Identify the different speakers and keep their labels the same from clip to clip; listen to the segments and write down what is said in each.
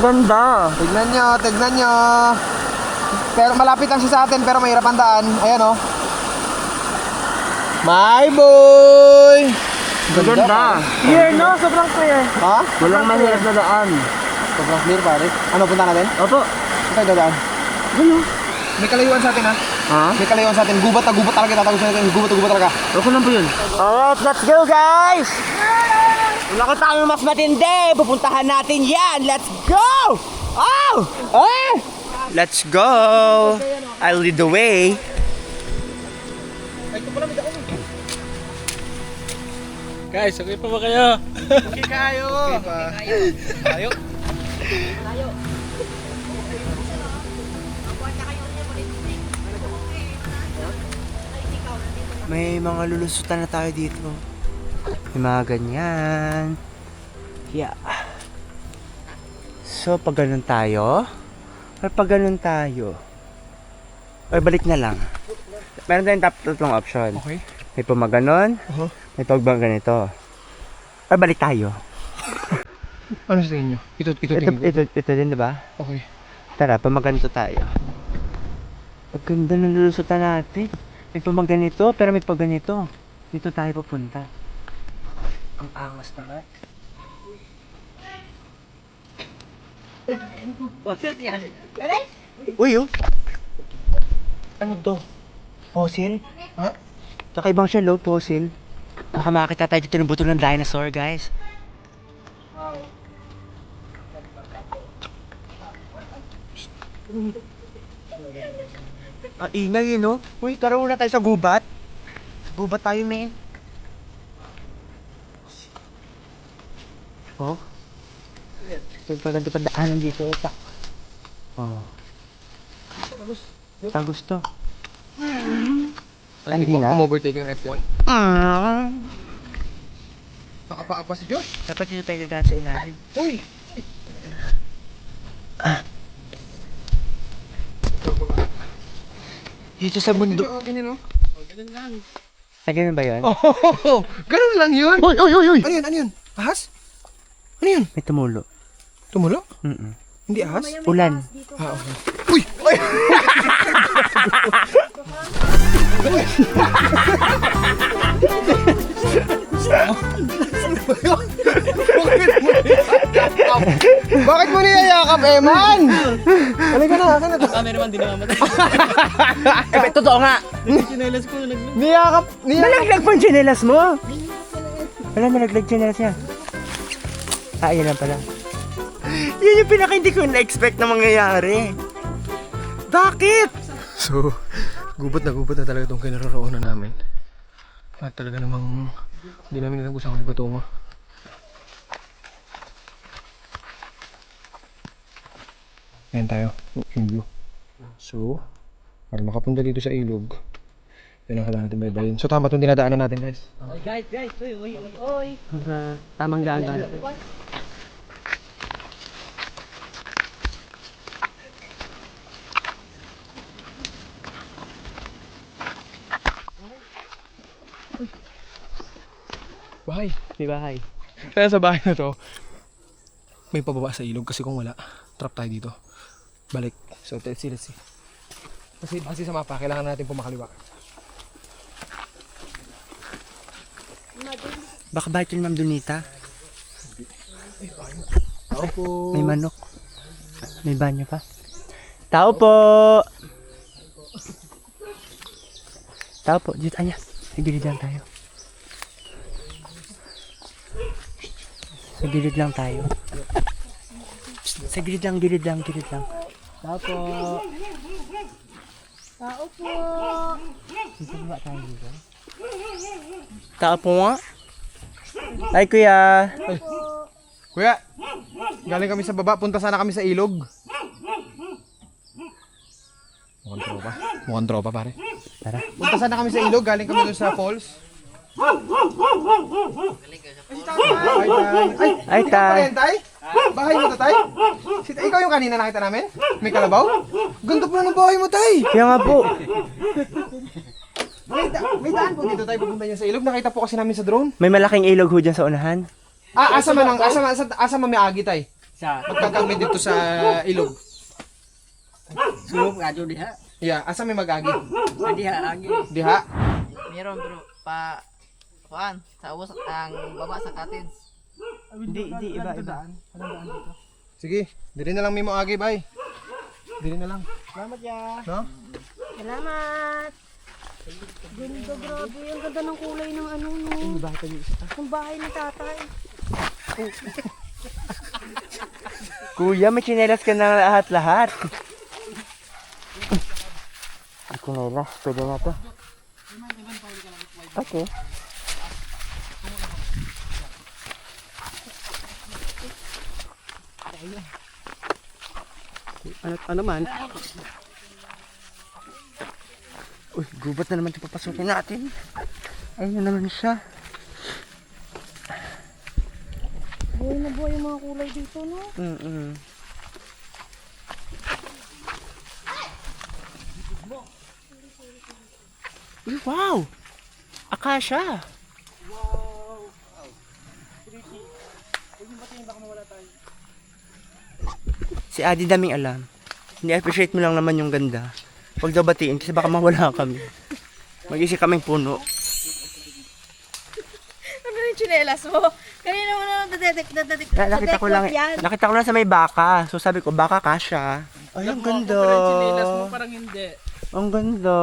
Speaker 1: Ganda.
Speaker 2: Tignan nyo. Pero malapit lang siya sa atin, pero mahirap ang daan. Ayan oh. My boy!
Speaker 1: Ganda. Clear no? Sobrang clear.
Speaker 2: Ha?
Speaker 1: Walang mahirap na daan.
Speaker 2: Sobrang clear pare. Ano, punta natin?
Speaker 1: Opo.
Speaker 2: Saan tayo dadaan?
Speaker 1: Ano?
Speaker 2: May kalayuan sa atin ha?
Speaker 1: Ha?
Speaker 2: May kalayuan sa atin. Gubat na gubat talaga. Tatagusin natin. Gubat na gubat talaga.
Speaker 1: Okay lang po yun. Alright, let's go guys! Wala ko tayo mas matindi. Pupuntahan natin yan. Let's go! Oh! Oh! Let's go! I'll lead the way.
Speaker 3: Guys, okay pa ba kayo?
Speaker 2: Okay kayo. Okay pa. Tayo.
Speaker 1: May mga lulusutan na tayo dito. May mga ganyan. Yeah. So, pag ganun tayo, or pag ganun tayo, or balik na lang. Meron tayong tatlong option.
Speaker 2: Okay.
Speaker 1: May pumaganon, may pag ganito. Or balik tayo.
Speaker 2: Ano sa tingin nyo? Ito
Speaker 1: Ito din, diba?
Speaker 2: Okay.
Speaker 1: Tara, pamaganito tayo. Ang ganda ng lulusutan natin. May pamaganito, pero may pagganito. Dito tayo pupunta. Ang angas naman. Uy, oh. Ano to? Fossil?
Speaker 2: Ha?
Speaker 1: Kakaibang siya, low fossil. Baka makakita tayo dito ng buto ng dinosaur, guys. Ang ingay, no? Uy, tara muna tayo sa gubat. Sa gubat tayo, men. Oh? Ito pa ganito pa daanan dito. Oh. Tagus to. Hindi na.
Speaker 2: Overtake yung F1. Nakapaka pa si Josh.
Speaker 1: Dapat dito tayo dadaan sa ilalim.
Speaker 2: Uy!
Speaker 1: Dito sa bundok.
Speaker 2: Ganyan o.
Speaker 1: Ay, ganun ba yun?
Speaker 2: Oh, ganun lang yun.
Speaker 1: Uy, uy, uy, uy!
Speaker 2: Ano yun? Ano yun? Ahas? Ano yun?
Speaker 1: May tumulo.
Speaker 2: Tumulo?
Speaker 1: Mm-mm.
Speaker 2: Hindi ahas?
Speaker 1: Ulan.
Speaker 2: Ah, okay. Uy! Uy! Bakit mo niyayakap, Eman? Halika na, akin na to.
Speaker 3: Cameraman din namamatay.
Speaker 1: Eh, totoo nga.
Speaker 3: Chinelas ko na
Speaker 2: Niyakap.
Speaker 1: Nalaglag pa yung tsinelas mo. Wala, nalaglag tsinelas niya. Ah, yan lang pala. Yun yung pinaka hindi ko na-expect na mangyayari. Bakit?
Speaker 2: So, gubat na talaga itong kinaroroonan namin. At talaga namang hindi namin alam kung saan kami patungo. Ayan tayo, yung view. So, para makapunta dito sa ilog, yun ang kailangan natin baybayin. So tama itong dinadaanan natin, guys.
Speaker 3: Guys, uy.
Speaker 1: Tamang dagat.
Speaker 2: Bahay.
Speaker 1: May bahay.
Speaker 2: Kaya sa bahay na to, may pababa sa ilog kasi kung wala, trap tayo dito. Balik. So let's see. Kasi sa mapa, kailangan natin pumakaliwa.
Speaker 1: Baka bahay ito ni Ma'am Donita.
Speaker 2: Tao po.
Speaker 1: May manok. May banyo pa. Tao po! Tao po. Dito, anya. Sa gilid lang tayo. Sa gilid lang tayo. Sa gilid lang. Tao po!
Speaker 4: Tao po.
Speaker 1: Dito ba tayo dito? Tao po nga? Ay, kuya!
Speaker 2: Kuya, galing kami sa baba, punta sana kami sa ilog. Mukhang tropa pare.
Speaker 1: Tara.
Speaker 2: Punta sana kami sa ilog, galing kami doon sa falls.
Speaker 1: Ay, tay!
Speaker 2: Tay? Bahay mo to, tay? Ikaw yung kanina nakita namin? May kalabaw? Ganda pa ng bahay mo, tay!
Speaker 1: Kaya nga po!
Speaker 2: May daan po dito tayo pupunta niya sa ilog. Nakita po kasi namin sa drone.
Speaker 1: May malaking ilog ho dyan sa unahan.
Speaker 2: Asa man may agi, tay? Magkakami dito sa ilog.
Speaker 3: Sulog radyo diha.
Speaker 2: Yeah, asa may magagi?
Speaker 3: Diha agi.
Speaker 2: Diha.
Speaker 4: Meron bro, kuan, sa ubos ang baba sa Katins.
Speaker 1: Hindi, iba.
Speaker 2: Sige, diri na lang may moagi, bay. Diri na lang.
Speaker 1: Salamat ya.
Speaker 2: No?
Speaker 5: Salamat! Ganda, grabe. Ang ganda ng kulay ng ano, no? Ang bahay ni tatay.
Speaker 1: Kuya, may chinelas ka na lahat-lahat. Chinelas, pwede na to. Okay. Ano man? Uy, gubat na naman ito papasukin natin. Ayun na naman siya.
Speaker 5: Buhay na buhay yung mga kulay dito, no?
Speaker 1: Uy, wow! Akasha! Si Adi daming alam. Ni-appreciate mo lang naman yung ganda. Huwag daw batiin kasi baka mawala kami. Mag-isip kaming puno.
Speaker 5: Ano yung chinelas mo? Kanina mo na
Speaker 1: Nakita ko lang, nakita ko lang sa may baka. So sabi ko, baka kasha. Ay, ang ganda.
Speaker 3: Chinelas mo parang hindi.
Speaker 1: Ang ganda.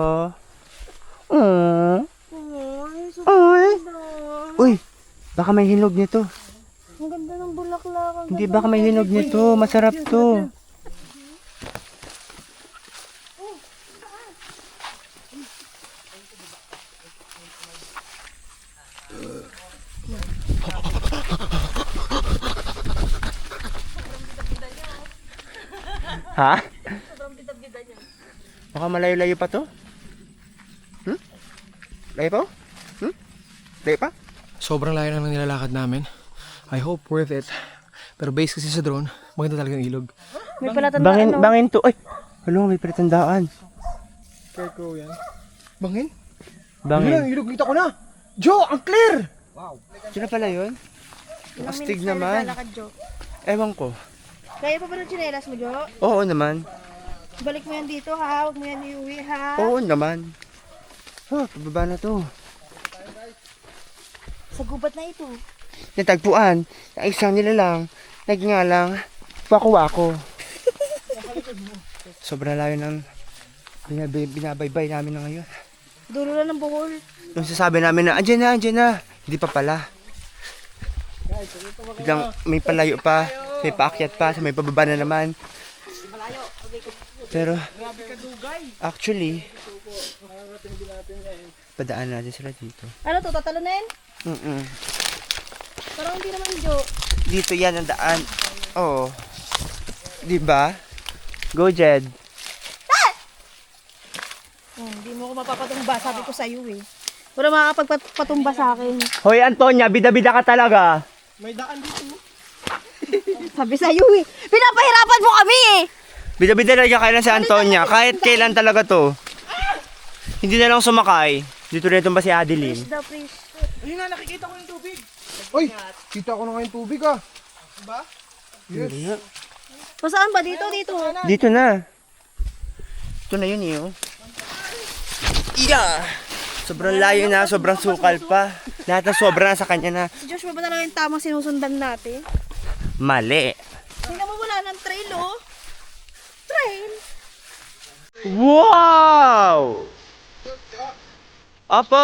Speaker 5: Ay, so
Speaker 1: Ay.
Speaker 5: ganda.
Speaker 1: Uy, baka may hinog nito.
Speaker 5: Ang ganda ng bulaklak. Ang
Speaker 1: Hindi,
Speaker 5: ganda
Speaker 1: baka may
Speaker 5: ng
Speaker 1: hinog
Speaker 5: kulay.
Speaker 1: nito. Masarap to. Ha? Baka malayo-layo pa to? Layo pa? Layo pa?
Speaker 2: Sobrang layo na ng nilalakad namin. I hope worth it. Pero base kasi sa drone, maganda talaga yung ilog.
Speaker 5: May palatandaan, no?
Speaker 1: Bangin to. Ay! Ano, may pretandaan.
Speaker 2: Cargo yan. Bangin? Yun
Speaker 1: Bangin.
Speaker 2: lang, ilog kita ko na. Joe, ang clear!
Speaker 1: Sino pala yun?
Speaker 5: Ilang
Speaker 1: Astig
Speaker 5: minutes na
Speaker 1: naman.
Speaker 5: naglalakad, Jo?
Speaker 1: Ewan ko.
Speaker 5: Kaya pa ba ng chinelas mo, Jo?
Speaker 1: Oo naman.
Speaker 5: Balik mo yan dito, ha? Huwag mo yan iuwi, ha?
Speaker 1: Oo naman. Pababa na to.
Speaker 5: Sa gubat na ito.
Speaker 1: Natagpuan. Ang isang nila lang. Nagngalang. Wako-wako. Sobrang layo ng binabaybay namin na ngayon.
Speaker 5: Dulo na ng buhol.
Speaker 1: Nung sasabi namin na, andyan na. Hindi pa pala. Biglang may palayo pa. May paakyat pa. May pababa na naman. Pero, actually, padaan natin sila dito.
Speaker 5: Ano to, tatalunin? Parang hindi naman, Jo.
Speaker 1: Dito yan ang daan. Oo. Diba? Go, Jed.
Speaker 5: Hindi mo ako mapapatumba, sabi ko sa'yo eh. Wala makakapagpatumba sa akin.
Speaker 1: Hoy, Antonia, bida-bida ka talaga.
Speaker 5: Sabi sa'yo eh. Pinapahirapan mo kami eh.
Speaker 1: Bida-bida talaga kailan si Antonia. Kahit kailan talaga to. Hindi na lang sumakay. Dito rin ba si Adeline?
Speaker 5: The priest.
Speaker 2: Ayun na, nakikita ko yung tubig. Uy, kita ko na nga yung tubig ah. Diba? Yes.
Speaker 5: Saan ba? Dito, dito.
Speaker 1: Dito na. Ito na yun eh. Oh. Yeah! Sobrang layo na, sobrang sukal pa. Lahat na sobra na sa kanya na.
Speaker 5: Si Joshua ba talaga yung tamang sinusundan natin?
Speaker 1: Mali.
Speaker 5: Tingnan mo wala ng trail oh. Trail?
Speaker 1: Wow! Apo!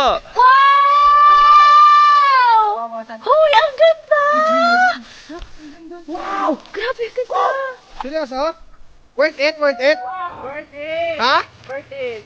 Speaker 5: Wow! Hoy, ang ganda! Wow! Grabe, ang ganda!
Speaker 2: Seryoso? Worth it, worth it?
Speaker 5: Worth it!
Speaker 2: Ha?
Speaker 5: Worth it!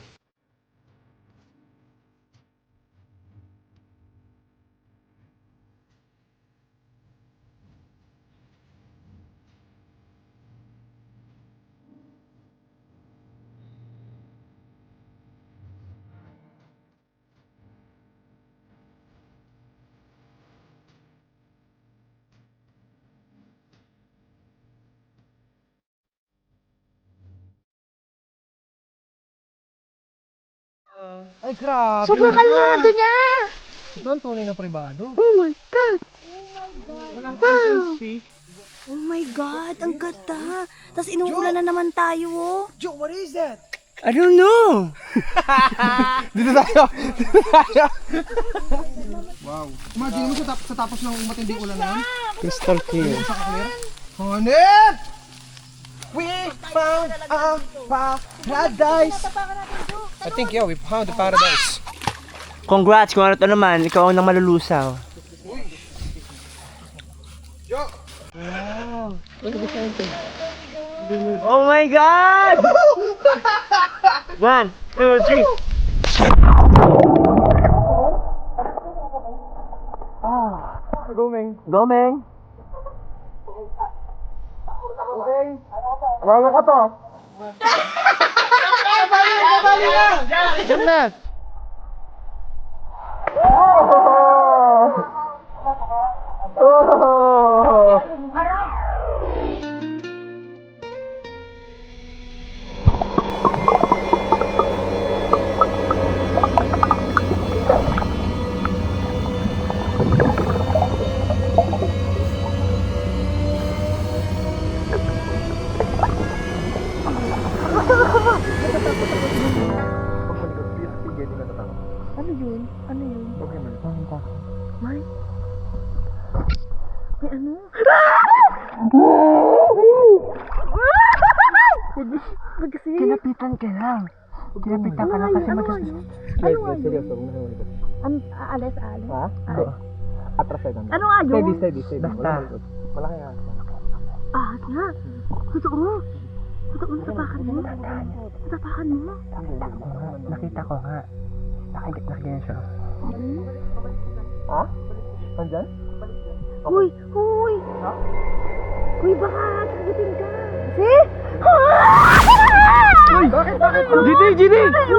Speaker 2: Ay, grabe.
Speaker 5: Sobrang kalmado niya!
Speaker 2: Ito ang tunay na pribado.
Speaker 5: Oh my God!
Speaker 2: Walang consistency.
Speaker 5: Oh my God, ang ganda. Tapos inuulan na naman tayo, oh.
Speaker 2: Joe, what is that?
Speaker 1: I don't know.
Speaker 2: Dito tayo! Dito tayo! Wow. Imagine mo sa tapos ng matinding ulan na yan.
Speaker 1: Crystal clear.
Speaker 2: Sa kaklir. Honey! We found a paradise! I think, yeah, we found the paradise.
Speaker 1: Congrats kung ano to naman. Ikaw ang nang malulusaw.
Speaker 2: Joe!
Speaker 1: Oh my God! 1, 2, 3.
Speaker 2: Gumeng.
Speaker 1: Gomeng.
Speaker 2: Wawa ka to.
Speaker 1: Diyan na. Kinapitan ka lang. Kinapitan ka lang kasi
Speaker 2: Seryoso,
Speaker 5: Alis.
Speaker 2: Ha? Atras ka
Speaker 5: Ano nga yun?
Speaker 2: Steady.
Speaker 1: Basta.
Speaker 2: Malaki nga.
Speaker 5: Ahas nga. Totoo. Natapakan mo.
Speaker 1: Nakita ko nga. Nakaganyan siya.
Speaker 2: Ha? Nandyan?
Speaker 5: Uy! Uy, baka sagutin ka. See?
Speaker 2: Bakit?
Speaker 1: GD!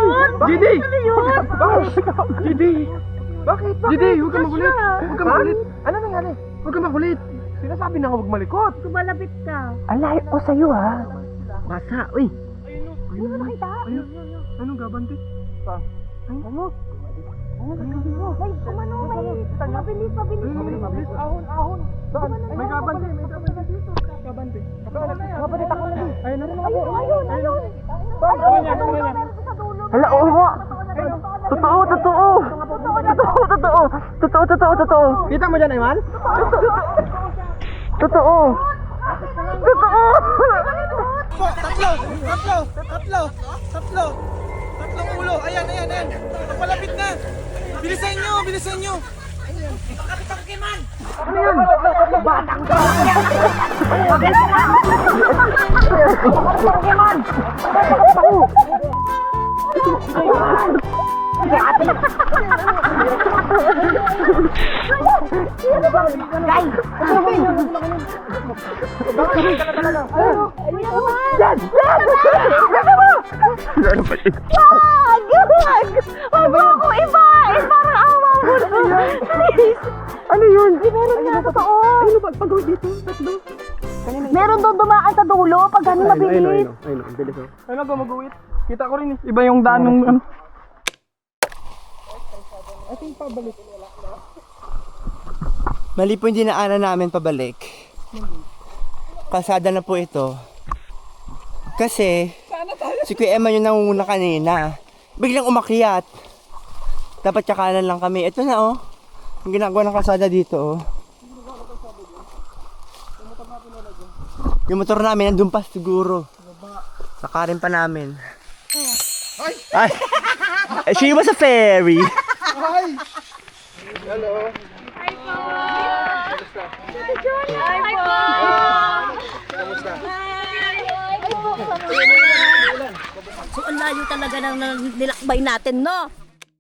Speaker 2: Bakit? GD, huwag kang makulit. Ano nangyari? Huwag kang makulit. Sinasabi na nga huwag malikot.
Speaker 5: Kumalapit ka.
Speaker 1: Alay ko sa'yo ha. Basa, uy.
Speaker 5: Hindi mo nakita?
Speaker 2: Anong gabante? Saan?
Speaker 5: Ano? May mabilis.
Speaker 2: Ahon. Saan? May gabante dito. Gabante. Gabante tako na din. Ayun.
Speaker 1: Hala, oo nga. Totoo.
Speaker 2: Kita mo dyan, Ayman?
Speaker 1: Totoo.
Speaker 2: Tatlong ulo. Ayan. Napalapit na. Bilisan nyo.
Speaker 5: Wag mo ako ibahin. Parang awa mo. Ano yun? Meron nga, totoo.
Speaker 2: Ano ba? Pag-uwi dito. Tatlo.
Speaker 5: Meron doon dumaan sa dulo pag gano'n mabilis.
Speaker 2: Ayun, ang bilis oh. Ayun ako mag-uwit. Kita ko rin eh. Iba yung daan ng ano. I think pabalik.
Speaker 1: Mali po yung dinaanan namin pabalik. Kalsada na po ito. Kasi, si Kuya Emma yung nangunguna kanina. Biglang umakyat. Dapat kakanan lang kami. Ito na oh. Yung ginagawa ng kalsada dito oh. Yung motor namin nandun pa siguro. Nakarin pa namin. Ay! She was a fairy.
Speaker 5: So, ang layo talaga ng nilakbay natin, no?